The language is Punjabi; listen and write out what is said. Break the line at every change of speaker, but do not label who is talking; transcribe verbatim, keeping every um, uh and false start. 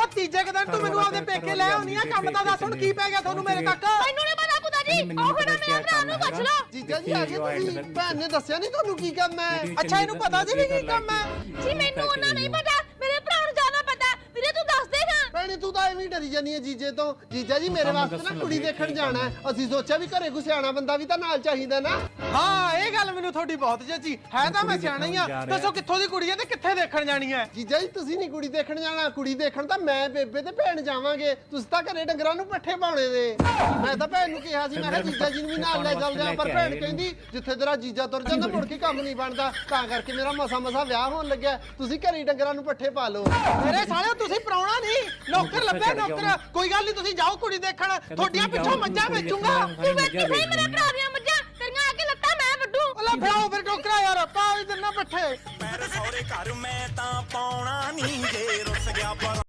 ਤੀਜੇ ਕੁ ਦਿਨ ਤੂੰ ਮੈਨੂੰ ਆਪਦੇ ਪੇਕੇ ਲੈ ਆਉਣੀ ਆ ਕੰਮ ਤਾਂ ਦੱਸ ਹੁਣ ਕੀ ਪੈ ਗਿਆ ਤੁਹਾਨੂੰ ਮੇਰੇ ਤੱਕ
ਮੈਨੂੰ ਨਹੀਂ ਪਤਾ ਪੁੱਤਾ ਜੀ ਉਹ ਖੜਾ ਮੇਰੇ ਭਰਾ ਨੂੰ ਪੁੱਛ ਲਓ
ਜੀਜਾ ਜੀ ਆ ਗਏ ਤੁਸੀਂ ਭੈਣ ਨੇ ਦੱਸਿਆ ਨਹੀਂ ਤੁਹਾਨੂੰ ਕੀ ਕੰਮ ਹੈ
ਅੱਛਾ ਇਹਨੂੰ ਪਤਾ ਜੀ ਵੀ ਕੀ ਕੰਮ ਹੈ
ਜੀ ਮੈਨੂੰ ਉਹਨਾਂ ਨਹੀਂ ਪਤਾ ਮੇਰੇ ਭਰਾ ਨੂੰ ਜ਼ਿਆਦਾ ਪਤਾ ਵੀਰੇ ਤੂੰ ਦੱਸ ਦੇ ਹਾਂ
ਭੈਣੇ ਤੂੰ ਤਾਂ ਐਵੇਂ ਹੀ ਡਰੀ ਜਾਨੀ ਹੈ ਜੀਜੇ ਤੋਂ ਜੀਜਾ ਜੀ ਮੇਰੇ ਵਾਸਤੇ ਨਾ ਕੁੜੀ ਦੇਖਣ ਜਾਣਾ ਹੈ ਅਸੀਂ ਸੋਚਿਆ ਵੀ ਘਰੇ ਕੋਈ ਸਿਆਣਾ ਬੰਦਾ ਵੀ ਤਾਂ ਨਾਲ ਚਾਹੀਦਾ ਨਾ
ਹਾਂ ਇਹ ਗੱਲ ਮੈਨੂੰ ਤੁਹਾਡੀ ਬਹੁਤ ਜੱਜੀ ਹੈ ਤਾਂ ਮੈਂ ਸਿਆਣਾ ਹੀ ਆ ਦੱਸੋ ਕਿੱਥੋਂ ਦੀ ਕੁੜੀ ਹੈ ਤੇ ਕਿੱਥੇ ਦੇਖਣ ਜਾਣੀ ਹੈ
ਜੀਜਾ ਜੀ ਤੁਸੀਂ ਨਹੀਂ ਕੁੜੀ ਦੇਖਣ ਜਾਣਾ ਕੁੜੀ ਦੇਖਣ ਤਾਂ ਮੈਂ ਬੇਬੇ ਤੇ ਭੈਣ ਜਾਵਾਂਗੇ ਤੁਸੀਂ ਤਾਂ ਘਰੇ ਡੰਗਰਾਂ ਨੂੰ ਪੱਠੇ ਪਾਉਣੇ ਦੇ ਮੈਂ ਤਾਂ ਭੈਣ ਨੂੰ ਕਿਹਾ ਸੀ ਮੈਂ ਕਿਹਾ ਜੀਜਾ ਜੀ ਨੂੰ ਵੀ ਨਾਲ ਲੈ ਚੱਲਦੇ ਆ ਪਰ ਭੈਣ ਕਹਿੰਦੀ ਜਿੱਥੇ ਤੇਰਾ ਜੀਜਾ ਤੁਰ ਜਾਂਦਾ ਮੁੜ ਕੇ ਕੰਮ ਨਹੀਂ ਬਣਦਾ ਤਾਂ ਕਰਕੇ ਮੇਰਾ ਮਸਾ ਮਸਾ ਵਿਆਹ ਹੋਣ ਲੱਗਿਆ ਤੁਸੀਂ ਘਰੇ ਡੰਗਰਾਂ ਨੂੰ ਪੱਠੇ ਪਾ ਲਓ
ਮੇਰੇ ਸਾਲਿਓ ਤੁਸੀਂ ਪਰਾਉਣਾ ਨਹੀਂ ਨੌਕਰ ਲੱਭਿਆ ਨੌਕਰ ਕੋਈ ਗੱਲ ਨਹੀਂ ਤੁਸੀਂ ਜਾਓ ਕੁੜੀ ਦੇਖਣ ਤੁਹਾਡੀਆਂ ਪਿੱਛੋਂ ਮੱਝਾਂ ਵੇਚੂੰਗਾ
ਤੂੰ ਵੇਖੀ ਸਹੀ ਮੇਰੇ ਭਰਾ ਦੀਆਂ ਮੱਝਾਂ ਤੇਰੀਆਂ ਆ ਕੇ ਲੱਤਾਂ ਮੈਂ ਵੱਡੂ
ਲੈ ਫੜਾਓ ਫਿਰ ਟੋਕਰਾ ਯਾਰ ਪਾ ਇਧਰ ਨਾ ਪੱਠੇ
ਮੇਰੇ ਸਹੁਰੇ ਘਰ ਮੈਂ ਤਾਂ ਪਾਉਣਾ ਨਹੀਂ ਜੇ ਰੁੱਸ ਗਿਆ ਪਰ